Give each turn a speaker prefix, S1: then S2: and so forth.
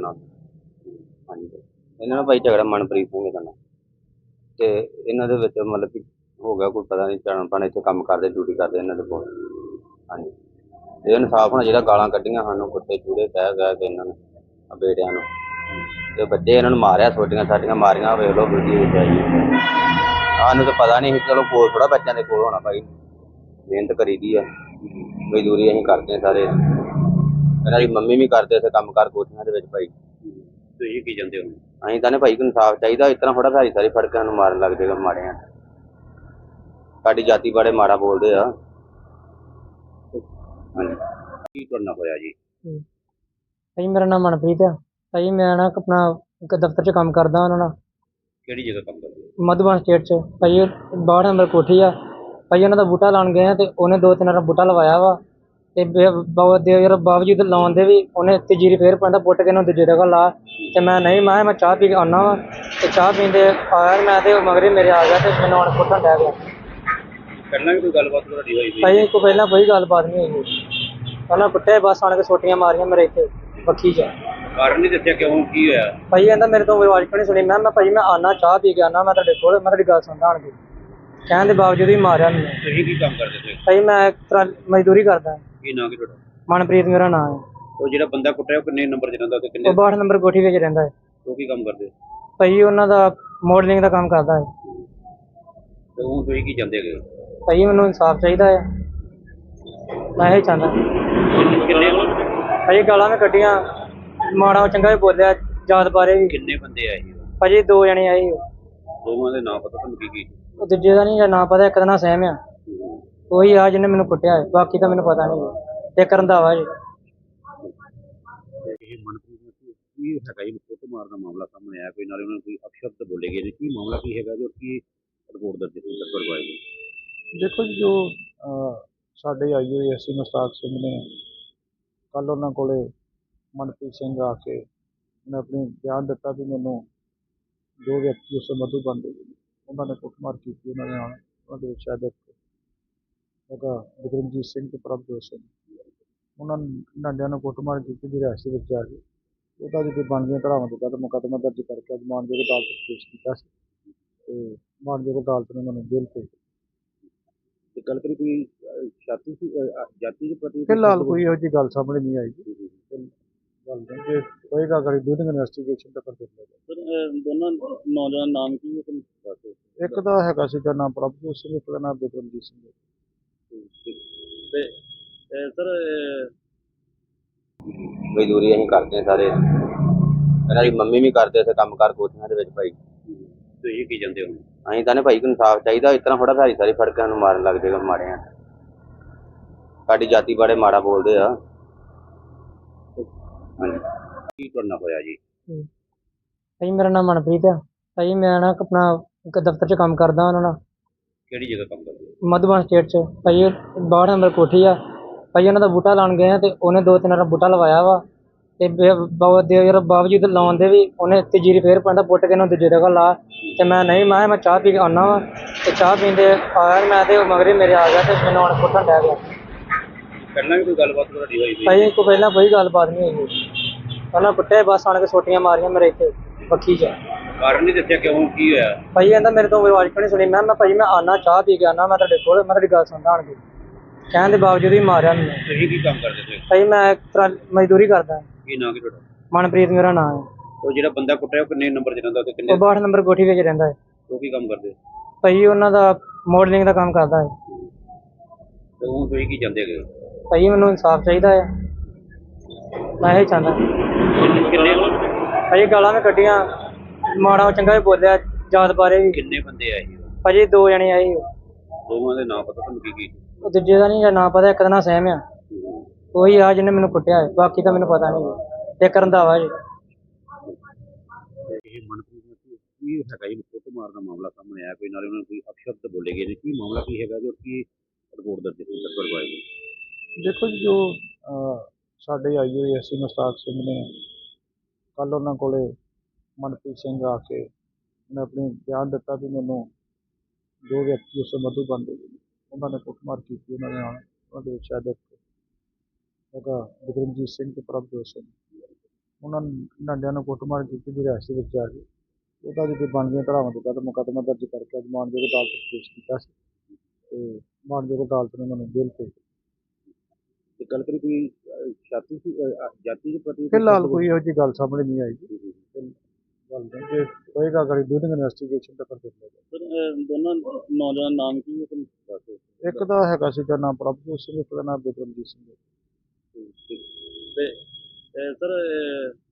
S1: ਨਾਲ। ਹਾਂਜੀ ਇਹਨਾਂ ਨਾਲ ਭਾਈ ਝਗੜਾ ਮਨਪ੍ਰੀਤ ਸਿੰਘ ਦਾ ਨਾਲ ਤੇ ਇਹਨਾਂ ਦੇ ਵਿੱਚ ਮਤਲਬ ਕਿ ਹੋ ਗਿਆ ਕੋਈ ਪਤਾ ਨਹੀਂ ਜਾਣ ਇੱਥੇ ਕੰਮ ਕਰਦੇ ਡਿਊਟੀ ਕਰਦੇ ਇਹਨਾਂ ਦੇ ਕੋਲ। ਹਾਂਜੀ ਇਹ ਇਨਸਾਫ ਹੋਣਾ ਜਿਹੜਾ ਗਾਲਾਂ ਕੱਢੀਆਂ ਸਾਨੂੰ ਕੁੱਤੇ ਚੂੜੇ ਕਹਿ ਕੇ ਇਹਨਾਂ ਨੇ ਬੇਟਿਆਂ ਨੂੰ ਤੇ ਬੱਚੇ ਇਹਨਾਂ ਨੂੰ ਮਾਰਿਆ ਛੋਟੀਆਂ ਸਾਡੀਆਂ ਮਾਰੀਆਂ ਵੇਖ ਲਓ ਵੀਡੀਓ ਵਿੱਚ ਆਈ। ਸਾਨੂੰ ਤਾਂ ਪਤਾ ਨਹੀਂ ਸੀ ਚਲੋ ਕੋਲ ਥੋੜ੍ਹਾ ਬੱਚਿਆਂ ਦੇ ਕੋਲ ਹੋਣਾ ਭਾਈ ਮਿਹਨਤ ਕਰੀ ਦੀ ਆ ਮਜ਼ਦੂਰੀ ਅਸੀਂ ਕਰਦੇ ਸਾਰੇ ਇਹਨਾਂ ਦੀ ਮੰਮੀ ਵੀ ਕਰਦੇ ਇੱਥੇ ਕੰਮ ਕਾਰ ਕੋਠੀਆਂ ਦੇ ਵਿੱਚ ਭਾਈ।
S2: ਤੁਸੀਂ ਕੀ ਜਾਂਦੇ ਹੋ?
S1: ਅਸੀਂ ਤਾਂ ਨੇ ਭਾਈ ਕੋਈ ਇਨਸਾਫ ਚਾਹੀਦਾ ਇਸ ਤਰ੍ਹਾਂ ਥੋੜ੍ਹਾ ਸਾਰੀ ਸਾਰੀ ਫੜ ਕੇ ਸਾਨੂੰ ਮਾਰਨ ਲੱਗ ਜਾਏਗਾ ਮਾੜੇ ਆ ਸਾਡੀ ਜਾਤੀ ਬਾਰੇ ਮਾੜਾ ਬੋਲਦੇ ਆ। ਹਾਂਜੀ
S2: ਕੀ ਕਰਨਾ ਹੋਇਆ ਜੀ?
S3: ਭਾਈ ਮੇਰਾ ਨਾਮ ਮਨਪ੍ਰੀਤ ਆ। ਭਾਈ ਮੈਂ ਨਾ ਆਪਣਾ ਇੱਕ ਦਫ਼ਤਰ 'ਚ ਕੰਮ ਕਰਦਾ ਉਹਨਾਂ ਨਾਲ
S2: ਕਿਹੜੀ ਜਗ੍ਹਾ ਕੰਮ ਕਰਦੇ ਹੋ?
S3: ਮਧੂਬਨ ਸਟੇਟ 'ਚ। ਭਾਈ 62 ਨੰਬਰ ਕੋਠੀ ਆ। ਭਾਈ ਉਹਨਾਂ ਦਾ ਬੂਟਾ ਲਾਉਣ ਗਏ ਆ ਅਤੇ ਉਹਨੇ 2-3 ਵਾਰ ਬੂਟਾ ਲਵਾਇਆ ਵਾ ਅਤੇ ਦੇ ਬਾਵਜੂਦ ਲਾਉਣ ਦੇ ਵੀ ਉਹਨੇ ਤੀਜੀ ਫੇਰ ਪੈਂਦਾ ਪੁੱਟ ਕੇ ਇਹਨੂੰ ਦੂਜੀ ਜਗ੍ਹਾ ਲਾ ਅਤੇ ਮੈਂ ਚਾਹ ਪੀ ਕੇ ਆਉਂਦਾ ਵਾ ਅਤੇ ਚਾਹ ਪੀਂਦੇ ਆਇਆ ਮੈਂ ਅਤੇ ਮਗਰੇ ਮੇਰੇ ਆ ਗਿਆ ਅਤੇ ਮੈਨੂੰ ਹੁਣ ਪੁੱਟਣ ਡਹਿ ਗਿਆ।
S2: ਪਹਿਲਾਂ ਵੀ ਕੋਈ ਗੱਲਬਾਤ ਤੁਹਾਡੀ ਹੋਈ ਸੀ?
S3: ਭਾਈ ਕੋਈ ਪਹਿਲਾਂ ਕੋਈ ਗੱਲਬਾਤ ਨਹੀਂ ਹੋਈ। ਉਹਨਾਂ ਕੁੱਟੇ ਬਸ ਆਣ ਕੇ ਸੋਟੀਆਂ ਮਾਰੀਆਂ ਮੇਰੇ ਇੱਥੇ ਬੱਖੀ 'ਚ।
S2: ਕਾਰਨ ਨਹੀਂ ਦੱਸਿਆ ਕਿਉਂ ਕੀ ਹੋਇਆ?
S3: ਭਾਈ ਕਹਿੰਦਾ ਮੇਰੇ ਤੋਂ ਆਵਾਜ਼ ਕਿਉਂ ਨਹੀਂ ਸੁਣੀ। ਮੈਂ ਭਾਈ ਮੈਂ ਆਉਣਾ ਚਾਹ ਪੀ ਕੇ ਆਉਣਾ ਮੈਂ ਤੁਹਾਡੇ ਕੋਲ ਮੈਂ ਤੁਹਾਡੀ ਗੱਲ ਸੁਣਦਾ ਆਣ ਕੇ ਕਹਿਣ ਦੇ ਬਾਵਜੂਦ ਵੀ ਮਾਰਿਆ ਮੈਨੂੰ।
S2: ਤੁਸੀਂ ਕੀ ਕੰਮ ਕਰਦੇ ਸੀ?
S3: ਭਾਈ ਮੈਂ ਇੱਕ ਤਰ੍ਹਾਂ ਮਜ਼ਦੂਰੀ ਕਰਦਾ।
S2: ਕੀ ਨਾਂ ਕੀ ਤੁਹਾਡਾ?
S3: ਮਨਪ੍ਰੀਤ ਮੇਰਾ ਨਾਮ ਹੈ।
S2: ਉਹ ਜਿਹੜਾ ਬੰਦਾ ਕੁੱਟਿਆ ਉਹ ਕਿੰਨੇ ਨੰਬਰ 'ਚ ਰਹਿੰਦਾ ਤੇ ਕਿੰਨੇ?
S3: ਉਹ 62 ਨੰਬਰ ਕੋਠੀ ਵਿੱਚ ਰਹਿੰਦਾ ਹੈ।
S2: ਉਹ ਕੀ ਕੰਮ ਕਰਦੇ?
S3: ਭਾਈ ਉਹਨਾਂ ਦਾ ਮੋਡਲਿੰਗ ਦਾ ਕੰਮ ਕਰਦਾ ਹੈ।
S2: ਤੇ ਉਹ ਤੁਸੀਂ ਕੀ ਜਾਂਦੇ ਹੈਗੇ?
S3: ਭਾਈ ਮੈਨੂੰ ਇਨਸਾਫ ਚਾਹੀਦਾ ਹੈ ਮੈਂ ਇਹ ਚਾਹੁੰਦਾ।
S2: ਕਿੰਨੇ
S3: ਭਾਈ ਗਾਲਾਂ ਮੈਂ ਕੱਢੀਆਂ ਮਾੜਾ ਚੰਗਾ ਵੀ ਬੋਲਿਆ ਜਾਤ ਬਾਰੇ ਵੀ।
S2: ਕਿੰਨੇ ਬੰਦੇ ਆਏ ਸੀ?
S3: ਭਾਜੀ 2 ਜਣੇ ਆਏ ਸੀ।
S2: ਦੋਵਾਂ ਦੇ ਨਾਂ ਪਤਾ ਤੁਹਾਨੂੰ ਕੀ?
S3: ਉਹ ਦੂਜੇ ਦਾ ਨਹੀਂ ਨਾਂ ਪਤਾ ਇੱਕ ਦਾ ਨਾਂ ਸਹਿਮ ਆ ਉਹੀ ਆ ਜਿਹਨੇ ਮੈਨੂੰ ਕੁੱਟਿਆ ਹੈ ਬਾਕੀ ਤਾਂ ਮੈਨੂੰ ਪਤਾ ਨਹੀਂ। ਇੱਕ ਰੰਧਾਵਾ ਜੀ।
S2: ਇਹ ਮਨਪ੍ਰੀਤ ਨੂੰ ਕੀ ਹੈਗਾ ਜੀ ਫੋਟੋ ਮਾਰਨ ਦਾ ਮਾਮਲਾ ਸਾਹਮਣੇ ਆਇਆ ਕੋਈ ਨਾਲੇ ਉਹਨਾਂ ਨੂੰ ਕੋਈ ਅਪਸ਼ਬਦ ਬੋਲੇ ਗਏ ਨੇ ਕੀ ਮਾਮਲਾ ਕੀ ਹੈਗਾ ਜੋ ਕੀ ਰਿਪੋਰਟ ਦਰਜ ਕਰਵਾਈ ਗਈ?
S4: ਦੇਖੋ ਜੀ ਜੋ ਸਾਡੇ IAS ਮੁਸ਼ਤਾਕ ਸਿੰਘ ਨੇ ਕੱਲ੍ਹ ਉਹਨਾਂ ਕੋਲੇ ਮਨਪ੍ਰੀਤ ਸਿੰਘ ਆ ਕੇ ਉਹਨੇ ਆਪਣੀ ਬਿਆਨ ਦਿੱਤਾ ਵੀ ਮੈਨੂੰ 2 ਵਿਅਕਤੀ ਉਸ ਮਧੂਬਨ ਦੇ ਉਹਨਾਂ ਨੇ ਕੁੱਟਮਾਰ ਕੀਤੀ। ਉਹਨਾਂ ਦੇ ਨਾਲ ਉਹਨਾਂ ਦੇ ਵਿੱਚ ਸ਼ਾਇਦ ਹੈਗਾ ਬਿਕਰਮਜੀਤ ਸਿੰਘ ਤੇ ਪ੍ਰਭਜੋਤ ਸਿੰਘ ਉਹਨਾਂ ਨਾਂਡਿਆਂ ਨੂੰ ਕੁੱਟਮਾਰ ਕੀਤੀ ਦੀ ਰਿਹਾਇਸ਼ ਵਿੱਚ ਜਾ ਕੇ ਉਹਦਾ ਜਿਹੜੀ ਬਣਦੀਆਂ ਧਾਰਾਵਾਂ ਦੇ ਤਹਿਤ ਮੁਕੱਦਮਾ ਦਰਜ ਕਰਕੇ ਅੱਜ ਮਾਨਯੋਗ ਅਦਾਲਤ ਵਿੱਚ ਪੇਸ਼ ਕੀਤਾ ਸੀ ਅਤੇ ਮਾਨਯੋਗ ਅਦਾਲਤ ਨੇ ਉਹਨਾਂ ਨੂੰ ਜੇਲ੍ਹ ਭੇਜ
S2: ਤੇ ਗੱਲ ਕਰੀ ਕੋਈ ਜਾਤੀ ਦੇ ਪ੍ਰਤੀ?
S4: ਫਿਲਹਾਲ ਕੋਈ ਇਹੋ ਜਿਹੀ ਗੱਲ ਸਾਹਮਣੇ ਨਹੀਂ ਆਈ ਜੀ। ਗੱਲ ਨਹੀਂ ਜੇ ਹੋਏਗਾ ਅਗਰ ਡੂਰਿੰਗ ਇਨਵੈਸਟੀਗੇਸ਼ਨ ਤਾਂ ਕਰ ਦਿੰਦੇ।
S2: ਦੋਨਾਂ ਨੌਜਵਾਨ ਨਾਮ ਕੀ ਹੈ ਤੁਹਾਨੂੰ ਦੱਸ ਦਿਓ।
S4: ਇੱਕ ਦਾ ਹੈਗਾ ਸੀਗਾ ਨਾਮ ਪ੍ਰਭਜੋਤ ਸਿੰਘ ਇੱਕ ਦਾ ਨਾਮ ਬਿਕਰਮਜੀਤ ਸਿੰਘ।
S2: ਤੇ ਸਰ
S1: ਮਜ਼ਦੂਰੀ ਅਸੀਂ ਕਰਦੇ ਸਾਰੇ ਇਹਨਾਂ ਦੀ ਮੰਮੀ ਵੀ ਕਰਦੇ ਇੱਥੇ ਕੰਮ ਕਾਰ ਕੋਠੀਆਂ ਦੇ ਵਿੱਚ ਭਾਈ।
S2: ਤੁਸੀਂ ਕੀ ਜਾਂਦੇ ਹੋ?
S1: ਅਸੀਂ ਤਾਂ ਨੇ ਭਾਈ ਕੋਈ ਇਨਸਾਫ ਚਾਹੀਦਾ ਇਸ ਤਰ੍ਹਾਂ ਥੋੜ੍ਹਾ ਸਾਰੀ ਸਾਰੀ ਫੜ ਕੇ ਸਾਨੂੰ ਮਾਰਨ ਲੱਗ ਜਾਏਗਾ ਮਾੜੇ ਆ ਸਾਡੀ ਜਾਤੀ ਬਾਰੇ ਮਾੜਾ ਬੋਲਦੇ ਆ। ਹਾਂਜੀ
S2: ਕੀ ਕਰਨਾ ਹੋਇਆ ਜੀ?
S3: ਭਾਈ ਮੇਰਾ ਨਾਮ ਮਨਪ੍ਰੀਤ ਆ। ਭਾਈ ਮੈਂ ਨਾ ਆਪਣਾ ਇੱਕ ਦਫ਼ਤਰ 'ਚ ਕੰਮ ਕਰਦਾ ਉਹਨਾਂ ਨਾਲ
S2: ਕਿਹੜੀ ਜਗ੍ਹਾ ਕੰਮ ਕਰਦੇ ਹੋ?
S3: ਮਧੂਬਨ ਸਟੇਟ 'ਚ। ਭਾਈ 62 ਨੰਬਰ ਕੋਠੀ ਆ। ਭਾਈ ਉਹਨਾਂ ਦਾ ਬੂਟਾ ਲਾਉਣ ਗਏ ਆ ਅਤੇ ਉਹਨੇ 2-3 ਵਾਰ ਬੂਟਾ ਲਵਾਇਆ ਵਾ ਅਤੇ ਬਾਵਜੂਦ ਲਾਉਣ ਦੇ ਵੀ ਉਹਨੇ ਤੀਜੀ ਫੇਰ ਪੈਂਦਾ ਪੁੱਟ ਕੇ ਇਹਨੂੰ ਦੂਜੀ ਜਗ੍ਹਾ ਲਾ ਅਤੇ ਮੈਂ ਚਾਹ ਪੀ ਕੇ ਆਉਂਦਾ ਵਾ ਅਤੇ ਚਾਹ ਪੀਂਦੇ ਆਇਆ ਮੈਂ ਅਤੇ ਮਗਰੇ ਮੇਰੇ ਆ ਗਿਆ ਅਤੇ ਮੈਨੂੰ ਹੁਣ ਪੁੱਟਣ ਡਹਿ ਗਿਆ।
S2: ਪਹਿਲਾਂ ਵੀ ਕੋਈ ਗੱਲਬਾਤ ਤੁਹਾਡੀ ਹੋਈ ਸੀ?
S3: ਭਾਈ ਕੋਈ ਪਹਿਲਾਂ ਕੋਈ ਗੱਲਬਾਤ ਨਹੀਂ ਹੋਈ। ਉਹਨਾਂ ਕੁੱਟੇ ਬਸ ਆਣ ਕੇ ਸੋਟੀਆਂ ਮਾਰੀਆਂ ਮੇਰੇ ਇੱਥੇ ਬੱਖੀ 'ਚ।
S2: ਕਾਰਨ ਨਹੀਂ ਦੱਸਿਆ ਕਿਉਂ ਕੀ ਹੋਇਆ?
S3: ਭਾਈ ਕਹਿੰਦਾ ਮੇਰੇ ਤੋਂ ਆਵਾਜ਼ ਕਿਉਂ ਨਹੀਂ ਸੁਣੀ। ਮੈਂ ਭਾਈ ਮੈਂ ਆਉਣਾ ਚਾਹ ਪੀ ਕੇ ਆਉਣਾ ਮੈਂ ਤੁਹਾਡੇ ਕੋਲ ਮੈਂ ਤੁਹਾਡੀ ਗੱਲ ਸੁਣਦਾ ਆਣ ਕੇ ਕਹਿਣ ਦੇ ਬਾਵਜੂਦ ਵੀ ਮਾਰਿਆ ਮੈਨੂੰ।
S2: ਤੁਸੀਂ ਕੀ ਕੰਮ ਕਰਦੇ ਸੀ?
S3: ਭਾਈ ਮੈਂ ਇੱਕ ਤਰ੍ਹਾਂ ਮਜ਼ਦੂਰੀ ਕਰਦਾ।
S2: ਕੀ ਨਾਂ ਕੀ ਤੁਹਾਡਾ?
S3: ਮਨਪ੍ਰੀਤ ਮੇਰਾ ਨਾਮ ਹੈ।
S2: ਉਹ ਜਿਹੜਾ ਬੰਦਾ ਕੁੱਟਿਆ ਉਹ ਕਿੰਨੇ ਨੰਬਰ 'ਚ ਰਹਿੰਦਾ ਤੇ ਕਿੰਨੇ?
S3: ਉਹ 62 ਨੰਬਰ ਕੋਠੀ ਵਿੱਚ ਰਹਿੰਦਾ ਹੈ।
S2: ਉਹ ਕੀ ਕੰਮ ਕਰਦੇ?
S3: ਭਾਈ ਉਹਨਾਂ ਦਾ ਮੋਡਲਿੰਗ ਦਾ ਕੰਮ ਕਰਦਾ ਹੈ।
S2: ਤੇ ਉਹ ਤੁਸੀਂ ਕੀ ਜਾਂਦੇ ਹੈਗੇ?
S3: ਭਾਈ ਮੈਨੂੰ ਇਨਸਾਫ ਚਾਹੀਦਾ ਹੈ ਮੈਂ ਇਹ ਚਾਹੁੰਦਾ।
S2: ਕਿੰਨੇ
S3: ਭਾਈ ਗਾਲਾਂ ਮੈਂ ਕੱਢੀਆਂ ਮਾੜਾ ਚੰਗਾ ਵੀ ਬੋਲਿਆ ਜਾਤ ਬਾਰੇ ਵੀ।
S2: ਕਿੰਨੇ ਬੰਦੇ ਆਏ ਸੀ?
S3: ਭਾਜੀ 2 ਜਣੇ ਆਏ ਸੀ।
S2: ਦੋਵਾਂ ਦੇ ਨਾਂ ਪਤਾ ਤੁਹਾਨੂੰ ਕੀ?
S3: ਉਹ ਦੂਜੇ ਦਾ ਨਹੀਂ ਨਾਂ ਪਤਾ ਇੱਕ ਦਾ ਨਾਂ ਸਹਿਮ ਆ ਉਹੀ ਆ ਜਿਹਨੇ ਮੈਨੂੰ ਕੁੱਟਿਆ ਹੈ ਬਾਕੀ ਤਾਂ ਮੈਨੂੰ ਪਤਾ ਨਹੀਂ। ਇੱਕ ਰੰਧਾਵਾ ਜੀ।
S2: ਇਹ ਮਨਪ੍ਰੀਤ ਨੂੰ ਕੀ ਹੈਗਾ ਜੀ ਫੋਟੋ ਮਾਰਨ ਦਾ ਮਾਮਲਾ ਸਾਹਮਣੇ ਆਇਆ ਕੋਈ ਨਾਲੇ ਉਹਨਾਂ ਨੂੰ ਕੋਈ ਅਪਸ਼ਬਦ ਬੋਲੇ ਗਏ ਨੇ ਕੀ ਮਾਮਲਾ ਕੀ ਹੈਗਾ ਜੋ ਕੀ ਰਿਪੋਰਟ ਦਰਜ ਕਰਵਾਈ ਗਈ?
S4: ਦੇਖੋ ਜੀ ਜੋ ਸਾਡੇ IAS ਮੁਸ਼ਤਾਕ ਸਿੰਘ ਨੇ ਕੱਲ੍ਹ ਉਹਨਾਂ ਕੋਲੇ ਮਨਪ੍ਰੀਤ ਸਿੰਘ ਆ ਕੇ ਉਹਨੇ ਆਪਣੀ ਬਿਆਨ ਦਿੱਤਾ ਵੀ ਮੈਨੂੰ 2 ਵਿਅਕਤੀ ਉਸ ਮਧੂਬਨ ਦੇ ਉਹਨਾਂ ਨੇ ਕੁੱਟਮਾਰ ਕੀਤੀ। ਉਹਨਾਂ ਦੇ ਨਾਲ ਉਹਨਾਂ ਦੇ ਵਿੱਚ ਸ਼ਾਇਦ ਹੈਗਾ ਬਿਕਰਮਜੀਤ ਸਿੰਘ ਤੇ ਪ੍ਰਭਜੋਤ ਸਿੰਘ ਉਹਨਾਂ ਡੰਡਿਆਂ ਨੂੰ ਕੁੱਟਮਾਰ ਕੀਤੀ ਦੀ ਰਿਹਾਇਸ਼ ਦੇ ਵਿੱਚ ਆ ਗਏ। ਉਹਦਾ ਜਿਹੜੀ ਬਣਦੀਆਂ ਧਾਰਾਵਾਂ ਦੇ ਤਹਿਤ ਮੁਕੱਦਮਾ ਦਰਜ ਕਰਕੇ ਅੱਜ ਮਾਨਯੋਗ ਅਦਾਲਤ ਵਿੱਚ ਪੇਸ਼ ਕੀਤਾ ਸੀ ਤੇ ਮਾਨਯੋਗ ਅਦਾਲਤ ਨੇ ਮੈਨੂੰ ਜੇਲ੍ਹ ਭੇਜ ਦਿੱਤਾ।
S2: ਤੇ ਗੱਲ ਕਰੀ ਕੋਈ ਛਾਤੀ ਸੀ ਜਾਤੀ ਦੇ ਪ੍ਰਤੀ
S4: ਫਿਲਹਾਲ ਕੋਈ ਇਹੋ ਜਿਹੀ ਗੱਲ ਸਾਹਮਣੇ ਨਹੀਂ ਆਈ ਜੀ। ਗੱਲ ਨਹੀਂ ਜੇ ਹੋਏਗਾ ਅਗਰ ਡੂਰਿੰਗ ਇਨਵੈਸਟੀਗੇਸ਼ਨ ਤਾਂ ਫਿਰ ਦੇਖ ਲਿਆ
S2: ਸਰ ਦੋਨਾਂ ਨੌਜਵਾਨ ਨਾਮ ਕੀ ਹੈ ਤੁਹਾਨੂੰ ਦੱਸ ਦਿਓ।
S4: ਜਾਏਗਾ। ਇੱਕ ਦਾ ਹੈਗਾ ਸੀਗਾ ਨਾਮ ਪ੍ਰਭਜੋਤ ਸਿੰਘ, ਇੱਕ ਦਾ ਨਾਮ ਬਿਕਰਮਜੀਤ ਸਿੰਘ ਹੈ।
S2: ਤੇ ਸਰ